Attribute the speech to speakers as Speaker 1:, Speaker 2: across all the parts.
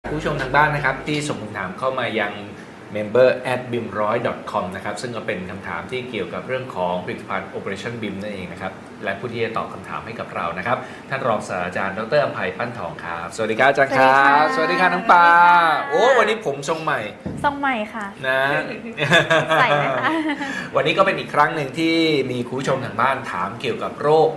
Speaker 1: ผู้ชมทางบ้านนะครับที่ส่งคำถามเข้ามายัง member@bim100.com นะครับซึ่งก็เป็นคำถามที่เกี่ยวกับเรื่องของผลิตภัณฑ์ Operation BIM นั่นเองนะครับและผู้ที่จะตอบคำถามให้กับเรานะครับท่านรองศาสตราจารย์ดร.อภัยปั้นทองครับสวัสดีครับอาจารย์ครับสวัสดีค่ะน้องปาโอ้วันนี้ผมทรงใหม่
Speaker 2: ทรงใหม่ค่ะ
Speaker 1: นะ
Speaker 2: ใส่ไหมคะ
Speaker 1: วันนี้ก็เป็นอีกครั้งหนึ่งที่มีคุณผู้ชมทางบ้านถามเกี่ยวกับโรค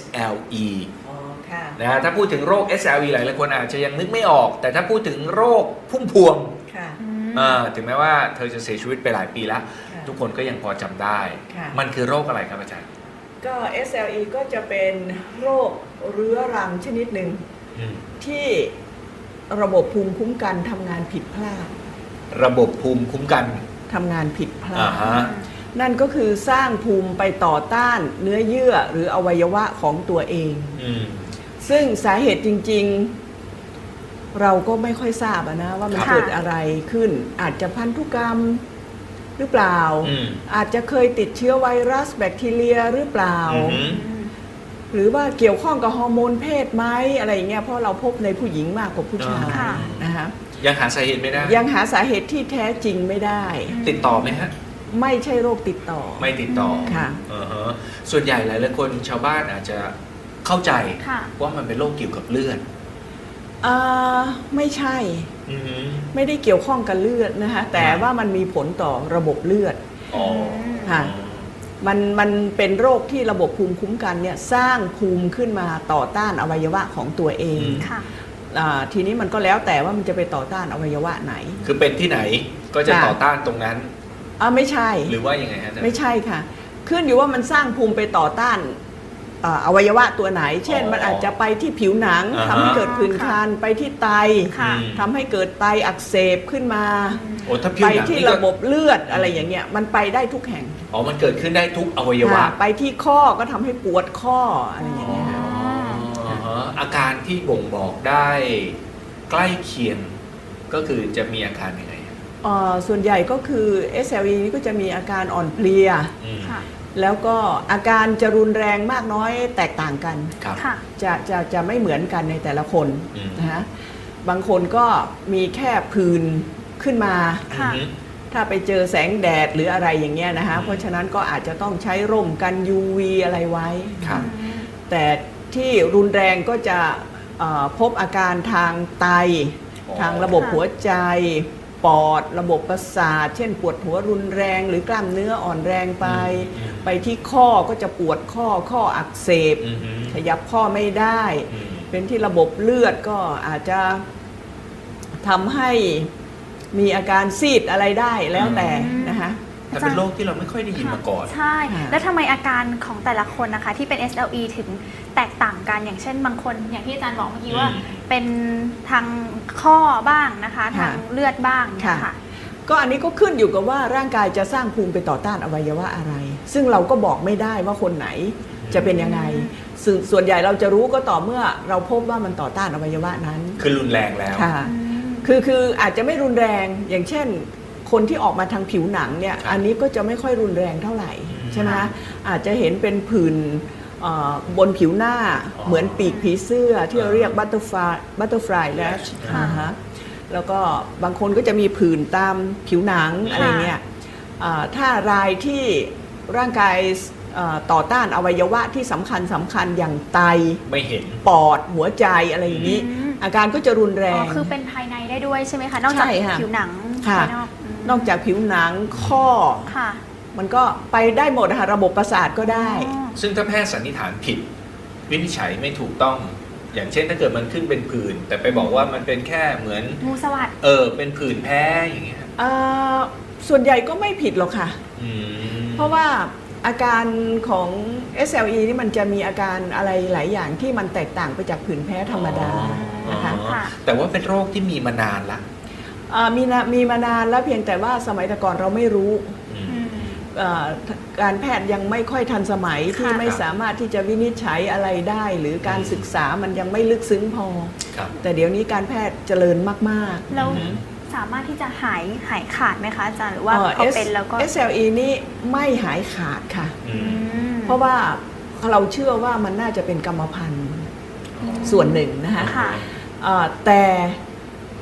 Speaker 1: SLEนะถ้าพูดถึงโรค SLE หลายคนอาจจะยังนึกไม่ออกแต่ถ้าพูดถึงโรคพุ่มพวงถึงแม้ว่าเธอจะเสียชีวิตไปหลายปีแล้วทุกคนก็ยังพอจำได้มันคือโรคอะไรครับอาจารย์
Speaker 3: ก็ SLE ก็จะเป็นโรคเรื้อรังชนิดหนึ่งที่ระบบภูมิคุ้มกันทำงานผิดพลาด
Speaker 1: ระบบภูมิคุ้มกัน
Speaker 3: ทำงานผิดพลาดนั่นก็คือสร้างภูมิไปต่อต้านเนื้อเยื่อหรืออวัยวะของตัวเองซึ่งสาเหตุจริงๆเราก็ไม่ค่อยทราบนะว่ามันเกิดอะไรขึ้นอาจจะพันธุกรรมหรือเปล่าอาจจะเคยติดเชื้อไวรัสแบคทีเรียหรือเปล่าหรือว่าเกี่ยวข้องกับฮอร์โมนเพศไหมอะไรอย่างเงี้ยเพราะเราพบในผู้หญิงมากกว่าผู้ชายนะคะ
Speaker 1: ยังหาสาเหตุไม่ได้
Speaker 3: ยังหาสาเหตุที่แท้จริงไม่ได้
Speaker 1: ติดต่อไหมฮะ
Speaker 3: ไม่ใช่โรคติดต่อ
Speaker 1: ไม่ติดต่อ
Speaker 3: ค่ะ
Speaker 1: ส่วนใหญ่หลายๆคนชาวบ้านอาจจะเข้าใจว่ามันเป็นโรคเกี่ยวกับเลือด
Speaker 3: ไม่ใช่ไม่ได้เกี่ยวข้องกับเลือดนะคะแต่ว่ามันมีผลต่อระบบเลือดค่ะมันเป็นโรคที่ระบบภูมิคุ้มกันเนี่ยสร้างภูมิขึ้นมาต่อต้านอวัยวะของตัวเองทีนี้มันก็แล้วแต่ว่ามันจะไปต่อต้านอวัยวะไหน
Speaker 1: คือเป็นที่ไหนก็จะต่อต้านตรงนั้น
Speaker 3: ไม่ใช่
Speaker 1: หรือว่ายังไงฮะ
Speaker 3: ไม่ใช่ค่ะขึ้นอยู่ว่ามันสร้างภูมิไปต่อต้านอวัยวะตัวไหนเช่นมันอาจจะไปที่ผิวหนังทำให้เกิดผื่นคันไปที่ไตทำให้เกิดไตอักเสบขึ้นมาไปที่ระบบเลือดอะไรอย่างเงี้ยมันไปได้ทุกแห่ง
Speaker 1: มันเกิดขึ้นได้ทุกอวัยวะ
Speaker 3: ไปที่ข้อก็ทำให้ปวดข้ออะไรอย่างเงี้ย
Speaker 1: อาการที่บ่งบอกได้ใกล้เคียงก็คือจะมีอาการยังไง
Speaker 3: ส่วนใหญ่ก็คือ SLE นี่ก็จะมีอาการอ่อนเพลียแล้วก็อาการจะรุนแรงมากน้อยแตกต่างกันจะไม่เหมือนกันในแต่ละคนนะฮะบางคนก็มีแค่ผื่นขึ้นมาถ้าไปเจอแสงแดดหรืออะไรอย่างเงี้ยนะคะเพราะฉะนั้นก็อาจจะต้องใช้ร่มกัน UV อะไรไว้แต่ที่รุนแรงก็จะพบอาการทางไตทางระบบหัวใจปอดระบบประสาทเช่นปวดหัวรุนแรงหรือกล้ามเนื้ออ่อนแรงไปที่ข้อก็จะปวดข้ออักเสบขยับข้อไม่ได้เป็นที่ระบบเลือดก็อาจจะทำให้มีอาการซีดอะไรได้แล้วแต่นะคะ
Speaker 1: แต่เป็นโรคที่เราไม่ค่อยได้ยินมาก่อน
Speaker 2: ใช่แล้วทำไมอาการของแต่ละคนนะคะที่เป็น SLE ถึงแตกต่างกันอย่างเช่นบางคนอย่างที่อาจารย์บอกเมื่อกี้ว่าเป็นทางข้อบ้างนะคะทางเลือดบ้างค่ะ
Speaker 3: ก็อันนี้ก็ขึ้นอยู่กับว่าร่างกายจะสร้างภูมิไปต่อต้านอวัยวะอะไรซึ่งเราก็บอกไม่ได้ว่าคนไหนจะเป็นยังไงส่วนใหญ่เราจะรู้ก็ต่อเมื่อเราพบว่ามันต่อต้านอวัยวะนั้น
Speaker 1: คือรุนแรงแล้ว
Speaker 3: ค่ะคืออาจจะไม่รุนแรงอย่างเช่นคนที่ออกมาทางผิวหนังเนี่ยอันนี้ก็จะไม่ค่อยรุนแรงเท่าไหร่ใช่ไหมอาจจะเห็นเป็นผื่นบนผิวหน้าเหมือนปีกผีเสื้อที่เราเรียกบัตเตอร์ฟลายแลชแล้วก็บางคนก็จะมีผื่นตามผิวหนังอะไรเงี้ยถ้ารายที่ร่างกายต่อต้านอวัยวะที่สำคัญอย่างไต
Speaker 1: ไม่เห็น
Speaker 3: ปอดหัวใจอะไรอย่างนี้อาการก็จะรุนแรง
Speaker 2: คือเป็นภายในได้ด้วยใช่ไหมคะนอกจากผิวหนังภายนอก
Speaker 3: นอกจากผิวหนังข้อมันก็ไปได้หมดค่ะระบบประสาทก็ได้
Speaker 1: ซึ่งถ้าแพทย์สันนิษฐานผิดวินิจฉัยไม่ถูกต้องอย่างเช่นถ้าเกิดมันขึ้นเป็นผื่นแต่ไปบอกว่ามันเป็นแค่เหมือน
Speaker 2: งูสวัสด์
Speaker 1: เป็นผื่นแพ้อย่างเงี้ย
Speaker 3: ส่วนใหญ่ก็ไม่ผิดหรอกค่ะเพราะว่าอาการของ SLE นี่มันจะมีอาการอะไรหลายอย่างที่มันแตกต่างไปจากผื่นแพ้ธรรมดานะคะ
Speaker 1: แต่ว่าเป็นโรคที่มีมานานละ
Speaker 3: มีมานานแล้วเพียงแต่ว่าสมัยแต่ก่อนเราไม่รู้การแพทย์ยังไม่ค่อยทันสมัยที่ไม่สามารถที่จะวินิจฉัยอะไรได้หรือการศึกษามันยังไม่ลึกซึ้งพอแต่เดี๋ยวนี้การแพทย์เจริญมาก
Speaker 2: ๆแล้วสามารถที่จะหายขาดไหมคะอาจารย์หรือว่าพอเป็นแล้วก็
Speaker 3: SLE นี่ไม่หายขาดค่ะเพราะว่าเราเชื่อว่ามันน่าจะเป็นกรรมพันธุ์ส่วนหนึ่งนะคะแต่ค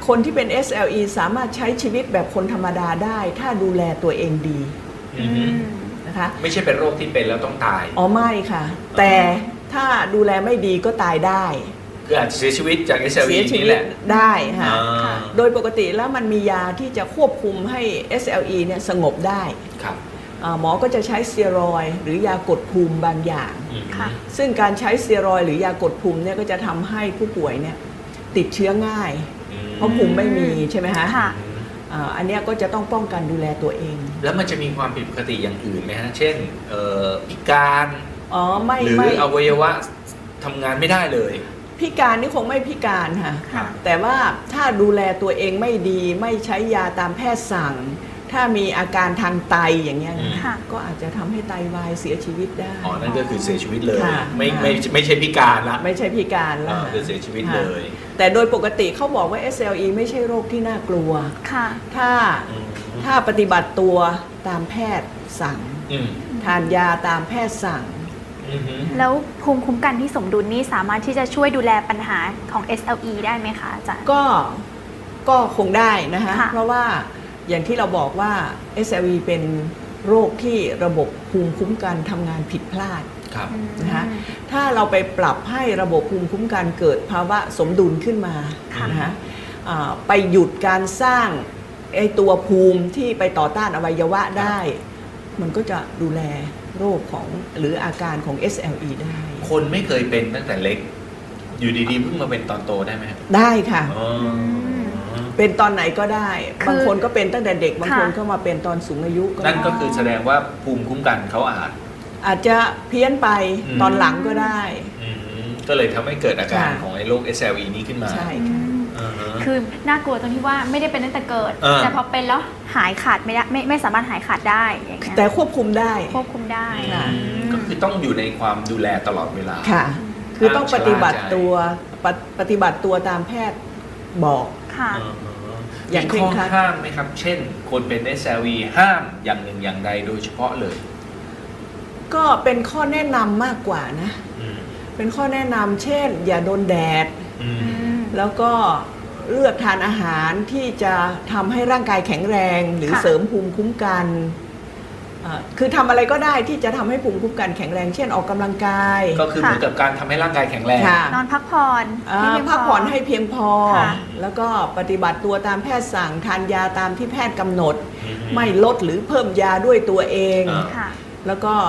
Speaker 3: คนที่เป็น SLE สามารถใช้ชีวิตแบบคนธรรมดาได้ ถ้าดูแลตัวเองดี
Speaker 1: อือฮึ
Speaker 3: นะคะ
Speaker 1: ไม่ใช่เป็นโรคที่เป็นแล้วต้องตาย
Speaker 3: อ๋อไม่ค่ะ แต่ถ้าดูแลไม่ดีก็ตายได้
Speaker 1: คืออาจจะเสียชีวิตจาก
Speaker 3: เสี
Speaker 1: SLE
Speaker 3: ยชี
Speaker 1: นี่
Speaker 3: วิ
Speaker 1: แห
Speaker 3: ต
Speaker 1: ละ
Speaker 3: ได้ค่ะ
Speaker 1: อ่า
Speaker 3: โดยปกติแล้วมันมียาที่จะควบคุมให้ SLE เนี่ยสงบได้
Speaker 1: ครับ
Speaker 3: หมอก็จะใช้สเตียรอยด์หรือยากดภูมิบางอย่าง
Speaker 1: อืม
Speaker 2: ค่ะ
Speaker 3: ซึ่งการใช้สเตียรอยด์หรือยากดภูมิเนี่ยก็จะทำให้ผู้ป่วยเนี่ยติดเชื้อง่าย เพราะภูมิไม่มีใช่ไหมฮะ
Speaker 2: ค่ะ
Speaker 3: อันเนี้ยก็จะต้องป้องกันดูแลตัวเอง
Speaker 1: แล้วมันจะมีความผิดปกติอย่างอื่นไหมฮะ เช่นพิการ
Speaker 3: อ๋อไม่
Speaker 1: หรือ
Speaker 3: ไม่
Speaker 1: อวัยวะทำงานไม่ได้เลย
Speaker 3: พิการนี่คงไม่พิการค่ะ
Speaker 1: ค่ะ
Speaker 3: แต่ว่าถ้าดูแลตัวเองไม่ดีไม่ใช้ยาตามแพทย์สั่ง ถ้ามีอาการทางไตอย่างเงี้ยนะ
Speaker 2: ค่ะ
Speaker 3: ก็อาจจะทำให้ไตวายเสียชีวิตได้
Speaker 1: อ๋อ นั่นก็คือเสียชีวิตเลย
Speaker 3: ค่ะ
Speaker 1: ไม่ใช่พิการละ
Speaker 3: ไม่ใช่พิการแล้ว
Speaker 1: คือเสียชีวิตเลย
Speaker 3: แต่โดยปกติเขาบอกว่า SLE ไม่ใช่โรคที่น่ากลัว
Speaker 2: ค่ะ
Speaker 3: ถ้าปฏิบัติตัวตามแพทย์สั่ง
Speaker 1: อืม
Speaker 3: ทานยาตามแพทย์สั่ง
Speaker 1: อืมฮึ
Speaker 2: แล้วภูมิคุ้มกันที่สมดุลนี่สามารถที่จะช่วยดูแลปัญหาของ SLE ได้ไหมคะอาจารย์
Speaker 3: ก็คงได้นะคะ
Speaker 2: ค่ะ
Speaker 3: เพราะว่าอย่างที่เราบอกว่า SLE เป็นโรคที่ระบบภูมิคุ้มกันทำงานผิดพลาด
Speaker 1: ครับ
Speaker 3: นะคะถ้าเราไปปรับให้ระบบภูมิคุ้มกันเกิดภาวะสมดุลขึ้นมา
Speaker 2: ค่ะ
Speaker 3: นะคะไปหยุดการสร้างไอตัวภูมิที่ไปต่อต้านอวัยวะได้ มันก็จะดูแลโรคของหรืออาการของ SLE ได้
Speaker 1: คนไม่เคยเป็นตั้งแต่เล็ก อยู่ดีๆเพิ่งมาเป็นตอนโตได้ไหมครับ
Speaker 3: ได้ค่ะ
Speaker 1: อ๋อ
Speaker 3: เป็นตอนไหนก็ได้
Speaker 2: คือ
Speaker 3: บางคนก็เป็นตั้งแต่เด็ก บางคน
Speaker 2: ค่ะ
Speaker 3: ก็มาเป็นตอนสูงอายุก็
Speaker 1: นั่น
Speaker 3: ได้
Speaker 1: ก็คือแสดงว่าภูมิคุ้มกันเขา
Speaker 3: อาจจะเพี้ยนไป
Speaker 1: อืม
Speaker 3: ตอนหลังก็ได้
Speaker 1: ก็เลยทำให้เกิดอาการ
Speaker 3: ค่ะ
Speaker 1: ของไอ้โรค SLE นี้ขึ้นมา
Speaker 3: ใช่
Speaker 2: อื
Speaker 3: ค่ะ
Speaker 2: ม
Speaker 1: อ่าฮะ
Speaker 2: คือน่ากลัวตรงที่ว่าไม่ได้เป็นตั้งแต่เกิด
Speaker 1: แต่
Speaker 2: แต่พอเป็นแล้วหายขาดไม่ได้ไม่สามารถหายขาดได้อย่างเงี้ย
Speaker 3: แต่ควบคุมได้
Speaker 2: ควบคุมได้
Speaker 3: ค่ะ
Speaker 1: ก็คือต้องอยู่ในความดูแลตลอดเวลา
Speaker 3: ค่ะ คือต้อง
Speaker 1: ห้ามชะล่าใจ
Speaker 3: ปฏิบัติตัวตามแพทย์บอก
Speaker 2: ค่ะ
Speaker 1: อ่าฮะ
Speaker 3: อย่าง
Speaker 1: มี
Speaker 3: เคร่
Speaker 1: ข้
Speaker 3: ง
Speaker 1: อ
Speaker 3: ครัด
Speaker 1: ห้ามไหมครับ เช่น คนเป็น SLE ห้ามอย่างหนึ่งอย่างใดโดยเฉพาะเลย
Speaker 3: ก็เป็นข้อแนะนำมากกว่านะ เป็นข้อแนะนำเช่น อย่าโดนแดด แล้วก็เลือกทานอาหารที่จะทำให้ร่างกายแข็งแรงหรือ
Speaker 2: ค่ะ
Speaker 3: เสริมภูมิคุ้มกันคือทำอะไรก็ได้ที่จะทำให้ภูมิคุ้มกันแข็งแรง เช่นออกกำลังกาย
Speaker 1: ก็คือเหมือนกับการทำให้ร่างกายแข็งแรง
Speaker 3: ค่ะ
Speaker 2: นอนพักผ่อนให้เพียง
Speaker 3: พักผ่อนให้เพียงพอ
Speaker 2: ค่ะ
Speaker 3: แล้วก็ปฏิบัติตัวตามแพทย์สั่งทานยาตามที่แพทย์กำหนด
Speaker 1: อืม
Speaker 3: ไม่ลดหรือเพิ่มยาด้วยตัวเอง
Speaker 1: อ่า
Speaker 2: ค่ะ
Speaker 3: แล้วก็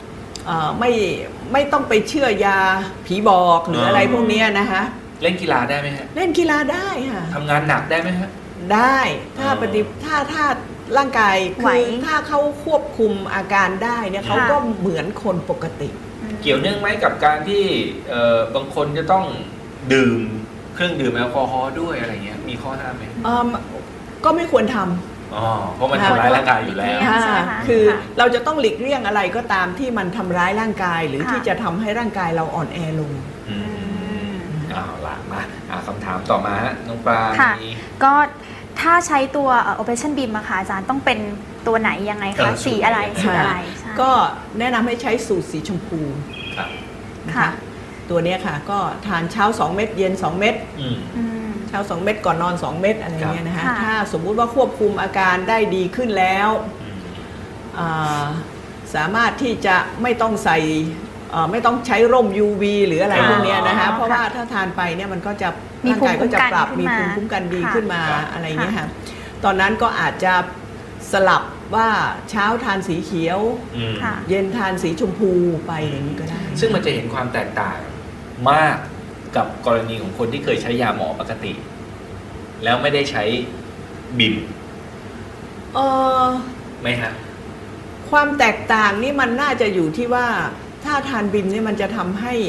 Speaker 3: ไม่ต้องไปเชื่อยาผีบอกหรืออะไรพวกเนี้ยนะคะ
Speaker 1: เล่นกีฬาได้ไหมฮะ
Speaker 3: เล่นกีฬาได้ค่ะ
Speaker 1: ทำงานหนักได้ไหมฮะ
Speaker 3: ได้ถ้า
Speaker 1: อ๋อ
Speaker 3: ถ้าร่างกาย
Speaker 2: ไหว
Speaker 3: คือถ้าเขาควบคุมอาการได้เนี่ย
Speaker 2: ค่ะ
Speaker 3: เขาก็เหมือนคนปกติ
Speaker 1: เกี่ยวเนื่องไหมกับการที่บางคนจะต้องดื่มเครื่องดื่มแอลกอฮอล์ด้วยอะไรเงี้ยมีข้อห้ามไหม
Speaker 3: ก็ไม่ควรท
Speaker 1: อ๋อเพราะมันทำร้ายร่างกายอยู่แล้ว
Speaker 2: ค่ะ
Speaker 3: ำ
Speaker 2: ใช่ไหมคะ
Speaker 3: คือ
Speaker 2: ค่ะ
Speaker 3: เราจะต้องหลีกเลี่ยงอะไรก็ตามที่มันทำร้ายร่างกาย หรือ
Speaker 2: ค่ะ
Speaker 3: ที่จะทำให้ร่างกายเราอ่อนแอลง
Speaker 1: อืมเอาล่ะมาคำถามต่อมาฮะน้องปลา
Speaker 2: ค่ะ
Speaker 1: มี
Speaker 2: ก็ถ้าใช้ตัว Operation Beam อะค่ะอาจารย์ต้องเป็นตัวไหนยังไงคะ สีอะไรสีอะไรใช่
Speaker 3: ก็แนะนำให้ใช้สูตรสีชมพู
Speaker 1: ครับ
Speaker 3: นะ
Speaker 2: ค่ะ
Speaker 3: คะตัวเนี้ยค่ะก็ทานเช้า 2 เม็ดเย็น 2 เม็ด
Speaker 1: อืม
Speaker 2: อืม
Speaker 3: เช้า 2 เม็ดก่อนนอน 2 เม็ดอะไรเงี้ยนะคะ
Speaker 2: ค่ะ
Speaker 3: ถ้าสมมุติว่าควบคุมอาการได้ดีขึ้นแล้ว
Speaker 1: อืม
Speaker 3: สามารถที่จะไม่ต้องใส่ไม่ต้องใช้ร่ม UV หรืออะไรพวกเนี้ยนะคะเพราะว่าถ้าทานไปเนี่ยมันก็จะ
Speaker 2: มี
Speaker 3: ร่างกายก็จะปรับ
Speaker 2: ภู
Speaker 3: มี
Speaker 2: มิ
Speaker 3: ภู
Speaker 2: คุ้
Speaker 3: มิ
Speaker 2: มกัน
Speaker 3: คุ้มกันดี
Speaker 2: ค่ะ
Speaker 3: ขึ้นมา
Speaker 1: ค่ะ
Speaker 3: อะไรเงี้ยค่ะตอนนั้นก็อาจจะสลับว่าเช้าทานสีเขียว
Speaker 1: อืม
Speaker 2: ค่ะ
Speaker 3: เย็นทานสีชมพูไปอย่างนี้ก็ได้
Speaker 1: ซึ่งมันจะเห็นความแตกต่างมากกับกรณีของคนที่เคยใช้ยาหมอปกติ แล้วไม่ได้ใช้บิม
Speaker 3: เอ่อ
Speaker 1: ไหมฮะ
Speaker 3: ความแตกต่างนี่มันน่าจะอยู่ที่ว่าถ้าทานบิมเนี่ยมันจะทำให้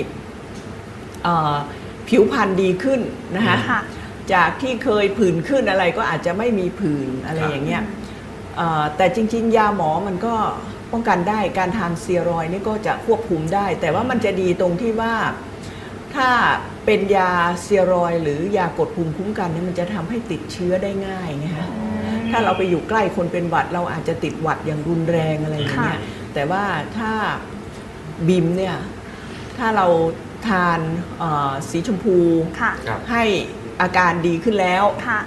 Speaker 3: ผิวพรรณดีขึ้นนะคะ
Speaker 2: ค่ะ
Speaker 3: จากที่เคยผื่นขึ้นอะไรก็อาจจะไม่มีผื่นอะไรอย่างเงี้ยแต่จริงๆ ยาหมอมันก็ป้องกันได้การทานสเตียรอยด์นี่ก็จะควบคุมได้ แต่ว่ามันจะดีตรงที่ว่าถ้าเป็นยาสเตียรอยด์หรือยากดภูมิคุ้มกันเนี่ยมันจะทำให้ติดเชื้อได้ง่ายนะคะถ้าเราไปอยู่ใกล้คนเป็นหวัดเราอาจจะติดหวัดอย่างรุนแรงอะไรอย่างเงี้ยแต่ว่าถ้าบิมเนี่ยถ้าเราทานสีชมพู
Speaker 2: ค่ะ
Speaker 1: ครับ
Speaker 3: ให้อาการดีขึ้นแล้ว
Speaker 2: ค่ะ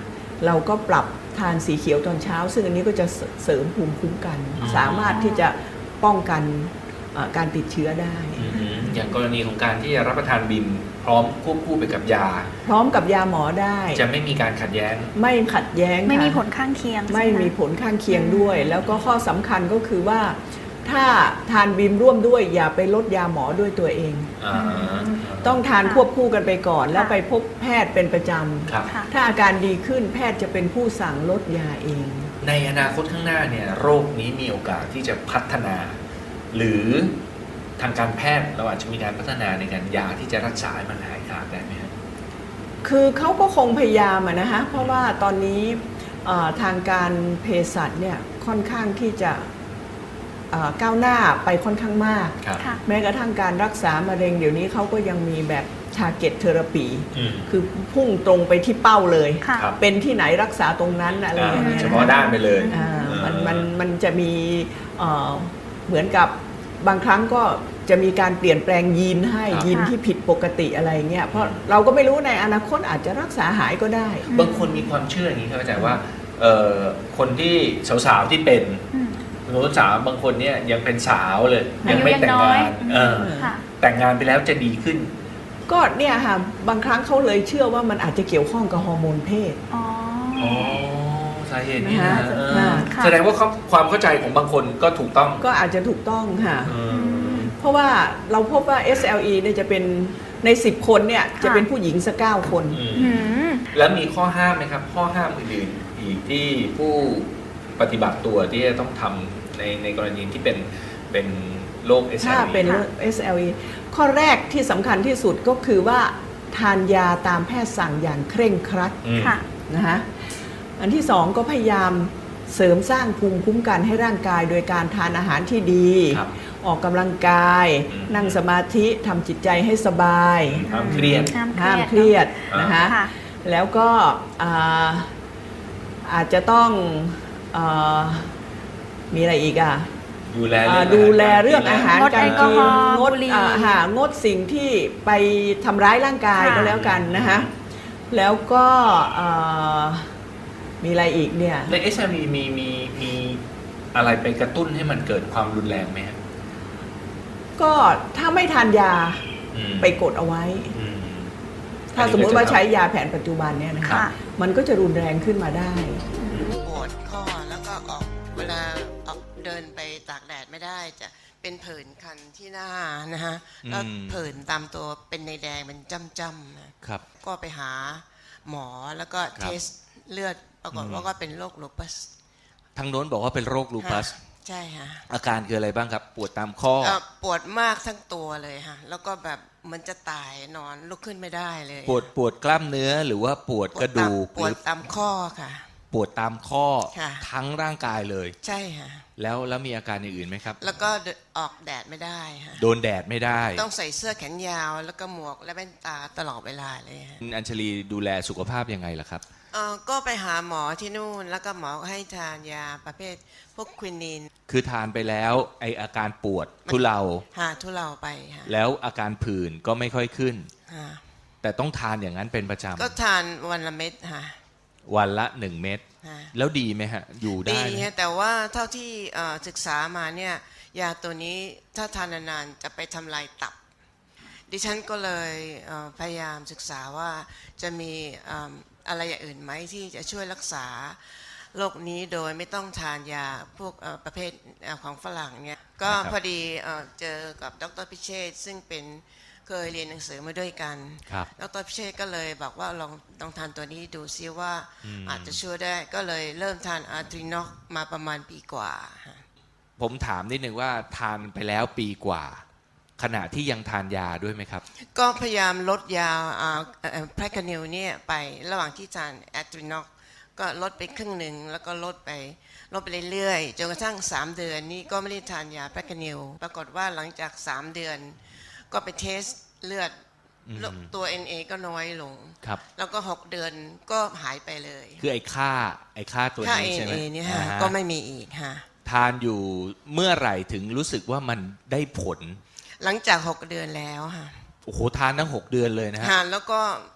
Speaker 3: เราก็ปรับทานสีเขียวตอนเช้า ซึ่งอันนี้ก็จะเสริมภูมิคุ้มกัน สามารถที่จะป้องกันการติดเชื้อได้
Speaker 1: อย่างกรณีของการที่จะรับประทานบิมพร้อมควบคู่ไปกับยา
Speaker 3: พร้อมกับยาหมอได้
Speaker 1: จะไม่มีการขัดแย้ง
Speaker 3: ไม่ขัดแย้ง
Speaker 2: ไม่มี
Speaker 3: ค่ะ
Speaker 2: ผลข้างเคียง
Speaker 3: ไม่มีผลข้างเคียงด้วย แล้วก็ข้อสำคัญก็คือว่าถ้าทานบิมร่วมด้วยอย่าไปลดยาหมอด้วยตัวเอง ต้องทานควบคู่กันไปก่อน แล้วไปพบแพทย์เป็นประจ
Speaker 1: ครับ
Speaker 3: ำถ้าอาการดีขึ้นแพทย์จะเป็นผู้สั่งลดยาเอง
Speaker 1: ในอนาคตข้างหน้าเนี่ยโรคนี้มีโอกาสที่จะพัฒนา หรือทางการแพทย์เราอาจจะมีการพัฒนาในการยาที่จะรักษาให้มันหายขาดได้ไหมครับ
Speaker 3: คือเขาก็คงพยายามนะฮะเพราะว่าตอนนี้ทางการเภสัชเนี่ยค่อนข้างที่จะก้าวหน้าไปค่อนข้างมาก
Speaker 1: ครับ
Speaker 2: ค่ะ
Speaker 3: แม้กระทั่งการรักษามะเร็งเดี๋ยวนี้เขาก็ยังมีแบบ target therapy คือพุ่งตรงไปที่เป้าเลย
Speaker 2: ค่ะ
Speaker 1: ครับ
Speaker 3: เป็นที่ไหนรักษาตรงนั้นอะไรอย่างเงี้ย
Speaker 1: เฉพาะด้านไปเลย
Speaker 3: มันจะมีเหมือนกับบางครั้งก็จะมีการเปลี่ยนแปลงยีนให้
Speaker 1: ครับ
Speaker 3: ยีนที่ผิดปกติอะไรเงี้ยเพราะเราก็ไม่รู้ในอนาคตอาจจะรักษาหายก็ได้
Speaker 1: บางคนมีความเชื่ออย่างนี้ครับอาจารย์ว่าคนที่สาวๆที่เป็น
Speaker 2: อืม
Speaker 1: สาวบางคนเนี่ยยังเป็นสาวเลย
Speaker 2: อายุ
Speaker 1: ไม่แต่ง
Speaker 2: ยังน้อย
Speaker 1: งาน
Speaker 2: ค่ะ
Speaker 1: แต่งงานไปแล้วจะดีขึ้น
Speaker 3: ก็เนี่ยค่ะบางครั้งเขาเลยเชื่อว่ามันอาจจะเกี่ยวข้องกับฮอร์โมนเพศ
Speaker 2: อ๋อ
Speaker 1: อ๋อสาเหตุนี้นะ
Speaker 3: นะคะ
Speaker 2: ค่ะ
Speaker 1: แสดงว่าความเข้าใจของบางคนก็ถูกต้อง
Speaker 3: ก็อาจจะถูกต้องค่ะ
Speaker 1: อืม
Speaker 3: เพราะว่าเราพบว่า SLE เนี่ยจะเป็นใน 10 คนเนี่ยจะเป็นผู้หญิงสัก9 คน
Speaker 2: อืม
Speaker 1: แล้วมีข้อห้ามไหมครับ ข้อห้ามอื่นๆอีกที่ผู้ปฏิบัติตัวที่จะต้องทำในกรณีที่เป็นโรค SLE
Speaker 3: ถ้าเป็น
Speaker 2: ค่ะ
Speaker 3: SLE ข้อแรกที่สำคัญที่สุดก็คือว่าทานยาตามแพทย์สั่งอย่างเคร่งครัด
Speaker 2: ค่ะ
Speaker 3: นะคะอันที่สองก็พยายามเสริมสร้างภูมิคุ้มกันให้ร่างกาย โดยการทานอาหารที่ดี
Speaker 1: ครับ
Speaker 3: ออกกำลังกาย นั่งสมาธิทำจิตใจให้สบาย
Speaker 1: ห้ามเครียด
Speaker 3: ห้ามเครียดนะคะ
Speaker 2: ค่ะ
Speaker 3: แล้วก็อาจจะต้องมีอะไรอีกอ่ะ
Speaker 1: ดูแลเรื่อง
Speaker 3: ดูแลเรื่องอาหาร
Speaker 2: งด
Speaker 3: การ
Speaker 2: แอลกอ
Speaker 3: กิ
Speaker 2: ฮ
Speaker 3: น
Speaker 2: อล์
Speaker 3: งด
Speaker 2: บุหรี่
Speaker 3: งดสิ่งที่ไปทำร้ายร่างกาย
Speaker 2: ค่ะ
Speaker 3: ก็แล้วกันนะคะแล้วก็มีอะไรอีกเนี่ย
Speaker 1: ใน SLE มีอะไรไปกระตุ้นให้มันเกิดความรุนแรงไหมครับ
Speaker 3: ก็ถ้าไม่ทานยา
Speaker 1: อืม
Speaker 3: ไปกดเอาไว้
Speaker 1: อืม
Speaker 3: ถ้าสมมุติว่าใช้ยาแผนปัจจุบันเนี่ยนะคะ
Speaker 2: ค่ะ
Speaker 3: มันก็จะรุนแรงขึ้นมาได้
Speaker 4: ปวดข้อแล้วก็เวลาออกเดินไปตากแดดไม่ได้จะเป็นผื่นคันที่หน้านะฮะแล้วผื่นตามตัวเป็นในแดงเป็นจ้ำๆนะครับ ก็ไปหาหมอแล้วก็
Speaker 5: ครับ
Speaker 4: เทสเลือดปรากฏว่าก็เป็นโรคลูปัส
Speaker 5: ทางโน้นบอกว่าเป็นโรคลูปัส
Speaker 4: ใช่ฮะ
Speaker 5: อาการคืออะไรบ้างครับ ปวดตามข้อ
Speaker 4: ปวดมากทั้งตัวเลยฮะแล้วก็แบบเหมันจะตายนอนลุกขึ้นไม่ได้เลย
Speaker 5: ปวดกล้ามเนื้อหรือว่าปวดกระดูก
Speaker 4: ปวดตามข้อค่ะ
Speaker 5: ปวดตามข้อ
Speaker 4: ค่ะ
Speaker 5: ทั้งร่างกายเลย
Speaker 4: ใช่ฮะ
Speaker 5: แล้วมีอาการอย่างอื่นไหมครับ
Speaker 4: แล้วก็ออกแดดไม่ได้ฮะ
Speaker 5: โดนแดดไม่ได้
Speaker 4: ต้องใส่เสื้อแขนยาวแล้วก็หมวกและแว่นตาตลอดเวลาเลยฮะ
Speaker 5: คุณอัญชลีดูแลสุขภาพยังไงล่ะครับ
Speaker 4: ก็ไปหาหมอที่นู่นแล้วก็หมอก็ให้ทานยาประเภทพวกควินิน
Speaker 5: คือทานไปแล้วไออาการปวดทุเลา
Speaker 4: หาทุเลาไปฮะ
Speaker 5: แล้วอาการผื่นก็ไม่ค่อยขึ้น
Speaker 4: ฮะ
Speaker 5: แต่ต้องทานอย่างนั้นเป็นประจ
Speaker 4: ก็ทานวันละเม็ดฮะ
Speaker 5: ำวันละ1 เม็ด
Speaker 4: ฮะ
Speaker 5: แล้วดีไหมฮะ อยู่ได้
Speaker 4: ดี
Speaker 5: ไหม
Speaker 4: ฮะแต่ว่าเท่าที่ศึกษามาเนี่ยยาตัวนี้ถ้าทานนานๆจะไปทำลายตับ ดิฉันก็เลยพยายามศึกษาว่าจะมีอะไรอย่างอื่นไหมที่จะช่วยรักษาโรคนี้โดยไม่ต้องทานยาพวกประเภทของฝรั่งเนี่ยก็พอดีเจอกับดรพิเชษฐ์ซึ่งเป็นเคยเรียนหนังสือมาด้วยกัน
Speaker 5: ครับ
Speaker 4: ดรพิเชษฐ์ก็เลยบอกว่าลองทานตัวนี้ดูซิว่าอาจจะช่วยได้ก็เลยเริ่มทานอาร์ทรินอกมาประมาณปีกว่าฮะ
Speaker 5: ผมถามนิดนึงว่าทานไปแล้วปีกว่า ขณะที่ยังทานยาด้วยไหมครับ
Speaker 4: ก็พยายามลดยาแพรคานิลเนี่ยไประหว่างที่ทานแอตรินอกก็ลดไปครึ่งหนึ่งแล้วก็ลดไปเรื่อยๆจนกระทั่ง3 เดือนนี้ก็ไม่ได้ทานยาแพรคานิลปรากฏว่าหลังจาก3 เดือนก็ไปเทสเลือดตัว NA ก็น้อยลง
Speaker 5: ครับ
Speaker 4: แล้วก็6 เดือนก็หายไปเลย
Speaker 5: คือไอ้ค่าตัว
Speaker 4: ค่า
Speaker 5: นี้ใช่ไหม
Speaker 4: NA เนี่ยฮะ
Speaker 5: อ่าฮะ
Speaker 4: ก็ไม่มีอีกฮะ
Speaker 5: ทานอยู่เมื่อไหร่ถึงรู้สึกว่ามันได้ผล
Speaker 4: หลังจาก6 เดือนแล้วฮะ
Speaker 5: โอ้โหทานทั้ง6 เดือนเลยนะฮะ
Speaker 4: แล้วก็ออก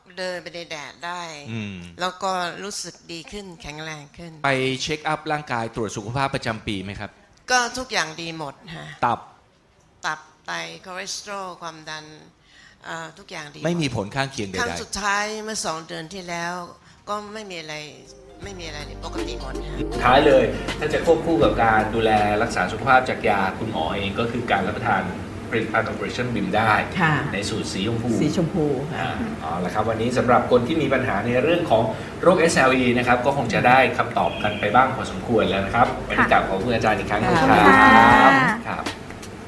Speaker 4: เดินไปในแดดได้
Speaker 5: อืม
Speaker 4: แล้วก็รู้สึกดีขึ้นแข็งแรงขึ้น
Speaker 5: ไปเช็คอัพร่างกายตรวจสุขภาพประจำปีไหมครับ
Speaker 4: ก็ทุกอย่างดีหมดฮะ
Speaker 5: ตับ
Speaker 4: ตับไตคอเลสเตอรอลความดันทุกอย่างดีหด
Speaker 5: ไม่มีผลข้างเคียงใด
Speaker 4: ครั้งสุดท้ายเมื่อ2 เดือนที่แล้ว ก็ไม่มีอะไรเลยปกติหมดฮะ
Speaker 1: ท้ายเลยถ้าจะควบคู่กับการดูแลรักษาสุขภาพจากยาคุณหมอเองก็คือการรับประทานผลิตภัณฑ์ Operation BIM ได้
Speaker 3: ค่ะ
Speaker 1: ในสูตรสีชมพู
Speaker 3: สีชมพูค่ะ
Speaker 1: อ๋อละครับวันนี้สำหรับคนที่มีปัญหาในเรื่องของโรค SLE นะครับก็คงจะได้คำตอบกันไปบ้างพอสมควรแล้วนะครับวันนี้กลับขอบคุณอาจารย์อีกครั้งหนึงค
Speaker 2: ขอบ
Speaker 1: รั
Speaker 2: คุณค่ะ
Speaker 1: ครับ